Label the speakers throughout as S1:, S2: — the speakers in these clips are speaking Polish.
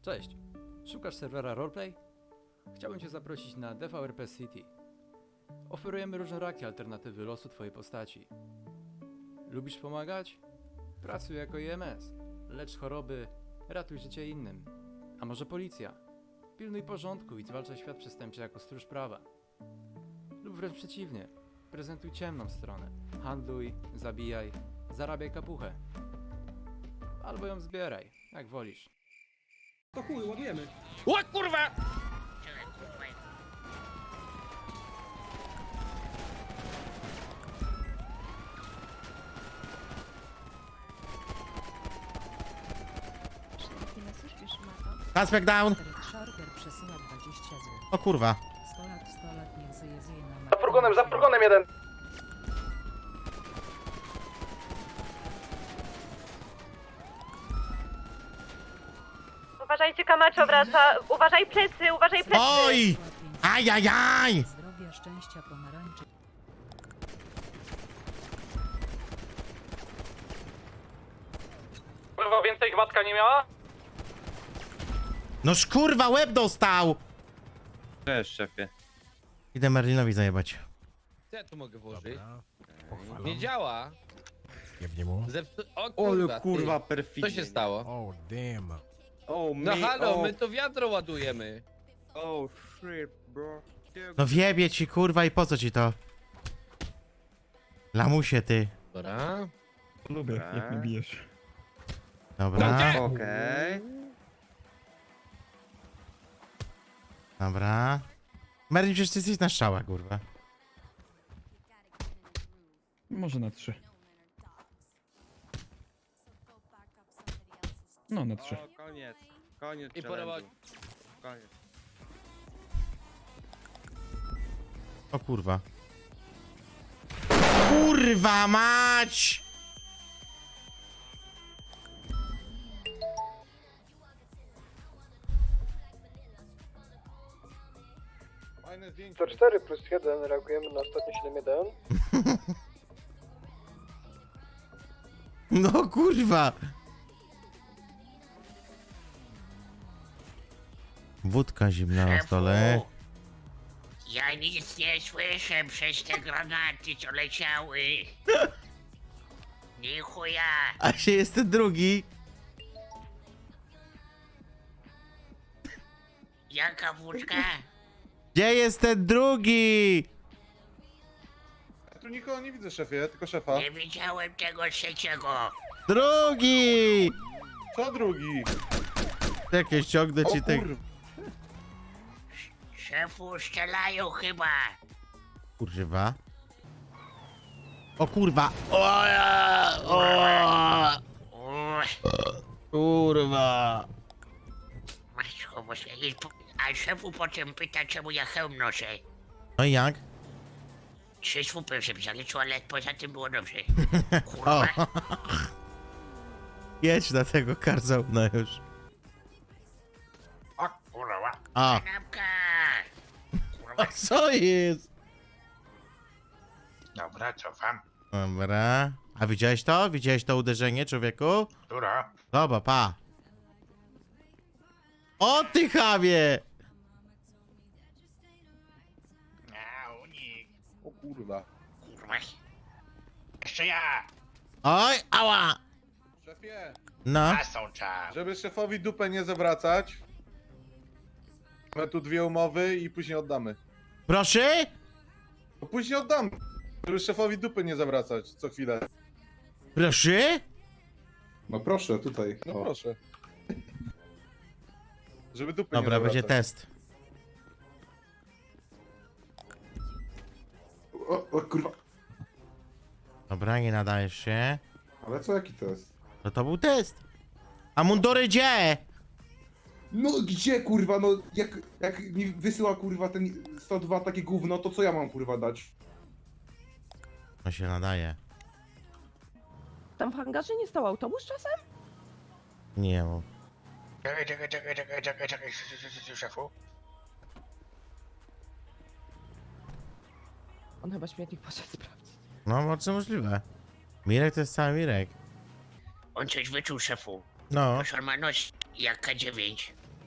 S1: Cześć, szukasz serwera roleplay? Chciałbym Cię zaprosić na DVRP City. Oferujemy różnorakie alternatywy losu Twojej postaci. Lubisz pomagać? Pracuj jako IMS. Lecz choroby, ratuj życie innym. A może policja? Pilnuj porządku i zwalczaj świat przestępczy jako stróż prawa. Lub wręcz przeciwnie, prezentuj ciemną stronę. Handluj, zabijaj, zarabiaj kapuchę. Albo ją zbieraj, jak wolisz.
S2: To chuj, ładujemy.
S3: O kurwa!
S4: Aspect down!
S5: Szarger przesyła 20 zł.
S4: O kurwa.
S5: 100 lat niech zje na
S2: Za furgonem jeden.
S6: Uważajcie, Camacho wraca. Uważaj plecy, uważaj plecy.
S4: Oj! Ajajaj!
S5: Zdrowia, szczęścia, pomarańczy.
S2: Kurwa, więcej gładka nie miała?
S4: Noż kurwa, łeb dostał!
S3: Cześć, szefie.
S4: Idę Merlinowi zajebać.
S3: Co ja tu mogę włożyć? Nie działa.
S7: Jebnie mu.
S3: O kurwa,
S8: kurwa,
S3: ty.
S8: perfidnie.
S3: Co się stało?
S7: Oh, damn.
S8: Oh,
S3: No
S8: me,
S3: halo,
S8: oh,
S3: my to wiadro ładujemy.
S8: oh, shit, bro.
S4: No wiebie ci kurwa i po co ci to? Lamusie ty.
S3: Dobra.
S8: Lubię, jak mnie bijesz.
S4: Dobra,
S8: Okej.
S4: dobra. Merlin, przecież ty jesteś na strzała, kurwa.
S9: Może na 3. No, na 3.
S8: O, koniec. Koniec
S3: I
S8: challenge'u.
S3: porować.
S8: Koniec.
S4: O kurwa. Kurwa mać!
S2: To 4 plus 1, reagujemy na ostatni 7-1.
S4: No kurwa! Wódka zimna na stole.
S10: Ja nic nie słyszę przez te granaty, co leciały. Nie chuja.
S4: A się jest ten drugi.
S10: Jaka wódka?
S4: Gdzie jest ten drugi?
S2: Ja tu nikogo nie widzę, szefie, tylko szefa.
S10: Nie widziałem tego trzeciego.
S4: Drugi!
S2: Co drugi?
S4: Czekaj, ściągnę ci ten...
S10: Szefu, strzelają chyba.
S4: Kurwa. O kurwa. Kurwa.
S10: Matko, bo a szefu potem pyta, czemu ja hełm noszę.
S4: No i jak?
S10: 3 słupy się zaliczył, ale poza tym było dobrze.
S4: O.
S10: Kurwa.
S4: Jedź na tego karzauna już.
S10: O kurwa.
S4: A.
S10: Kanapka.
S4: A
S10: Kurwa.
S4: co jest?
S10: Dobra, cofam.
S4: Dobra. A widziałeś to? Widziałeś to uderzenie, człowieku?
S10: Która?
S4: Dobra, pa. O ty chamie!
S10: A, unik.
S2: O kurwa.
S10: Kurwa. Jeszcze ja.
S4: Oj, ała!
S2: Szefie,
S4: No.
S10: Są czas.
S2: żeby szefowi dupę nie zawracać, mamy tu 2 umowy i później oddamy.
S4: Proszę?
S2: No później oddamy, żeby szefowi dupy nie zawracać co chwilę.
S4: Proszę?
S11: No proszę, tutaj.
S2: No
S11: O.
S2: proszę. Żeby dupy
S4: Dobra,
S2: nie
S4: będzie
S2: zawracać.
S4: test.
S11: O kurwa.
S4: Dobra, nie nadajesz się.
S11: Ale co, jaki to jest?
S4: No to był test. A mundury gdzie?
S11: No gdzie kurwa, no jak mi wysyła kurwa ten 102 takie gówno, to co ja mam kurwa dać?
S4: No się nadaje.
S6: Tam w hangarze nie stał autobus czasem?
S4: Nie mów.
S10: Czekaj, szefu.
S6: On chyba śmietnik poszedł sprawdzić.
S4: No, bardzo możliwe. Mirek to jest cały Mirek.
S10: On coś wyczuł, szefu.
S4: No.
S10: Proszę, on ma nos jak K9.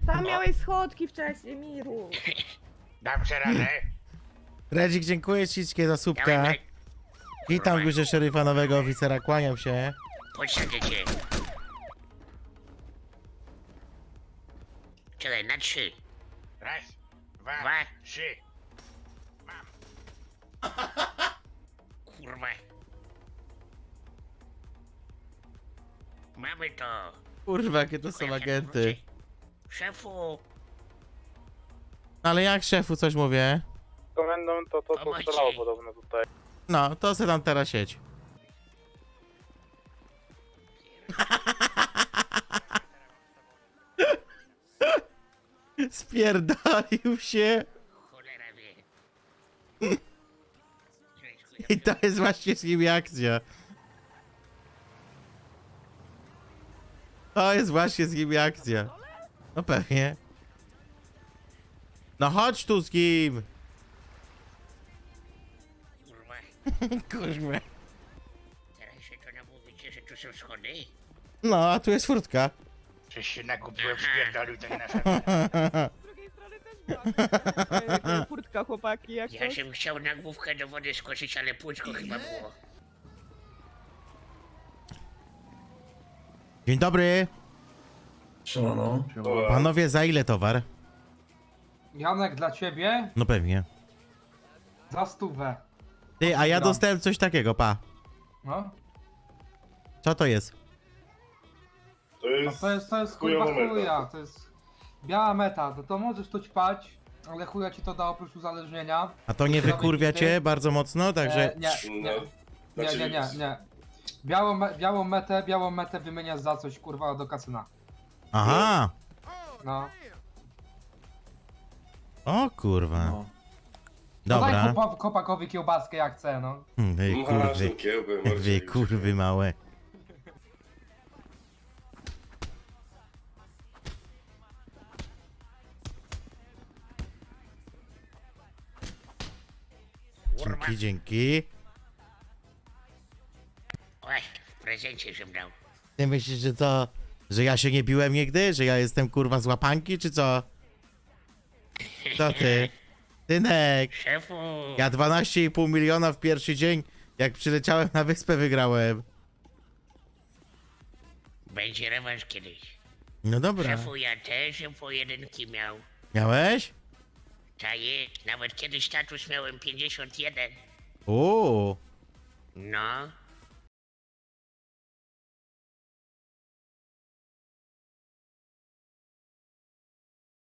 S6: Tam miałeś schodki wcześniej, Miru.
S10: Dam sobie radę.
S4: Redzik, dziękuję ślicznie za
S10: Dawaj,
S4: słupka.
S10: dawaj.
S4: Witam górze szeryfa nowego oficera, kłaniam się.
S10: Posadzę cię. Czekaj, na 3. Raz, dwa, 3. Mam. Kurwa. Mamy to.
S4: Kurwa, jakie to są
S10: Tylko jak
S4: agenty.
S10: wrócę. Szefu,
S4: Ale jak szefu coś mówię?
S2: Komendą to
S10: co strzelało
S2: podobno tutaj.
S4: No, to se tam teraz siedź. Spierdolił się.
S10: cholera wie.
S4: I to jest właśnie z nimi akcja. To jest właśnie z nimi akcja. No pewnie. No chodź tu z kim.
S10: Kurwa,
S4: Kurwa.
S10: teraz się to namówicie, że tu są schody?
S4: No, a tu jest furtka.
S10: Coś się nakupiłem,
S2: spierdolił
S10: ten nasz.
S6: Z drugiej strony też była furtka, chłopaki, jak
S10: Ja
S6: coś.
S10: bym chciał na główkę do wody skoczyć, ale płuczko chyba było.
S4: Dzień dobry.
S11: Siemano.
S4: Panowie, za ile towar?
S3: Janek, dla ciebie?
S4: No pewnie.
S3: Za 100.
S4: Ty, a ja
S3: Gram.
S4: dostałem coś takiego, pa.
S3: No.
S4: Co to jest?
S3: No to jest kurwa chuja, to jest biała meta, to możesz tu ćpać, ale chuja ci to da oprócz uzależnienia.
S4: A to nie wykurwia cię bardzo mocno, także...
S3: Nie. Białą metę wymieniasz za coś kurwa do kasyna.
S4: Aha.
S3: No.
S4: O kurwa.
S3: No daj
S4: Dobra.
S3: kopakowi kiełbaskę jak chce, no.
S4: Wy kurwy. Wy kurwy małe.
S10: Kurwa.
S4: Dzięki, dzięki.
S10: Oj, w prezencie żem dał.
S4: Ty myślisz, że co? Że ja się nie biłem nigdy? Że ja jestem kurwa z łapanki, czy co? Co ty? Tynek!
S10: Szefu,
S4: Ja 12,5 miliona w pierwszy dzień, jak przyleciałem na wyspę, wygrałem.
S10: będzie rewanż kiedyś.
S4: No dobra.
S10: Szefu, ja też pojedynki miał.
S4: Miałeś?
S10: Ta jest, nawet kiedyś status miałem 51.
S4: Uuu.
S10: No,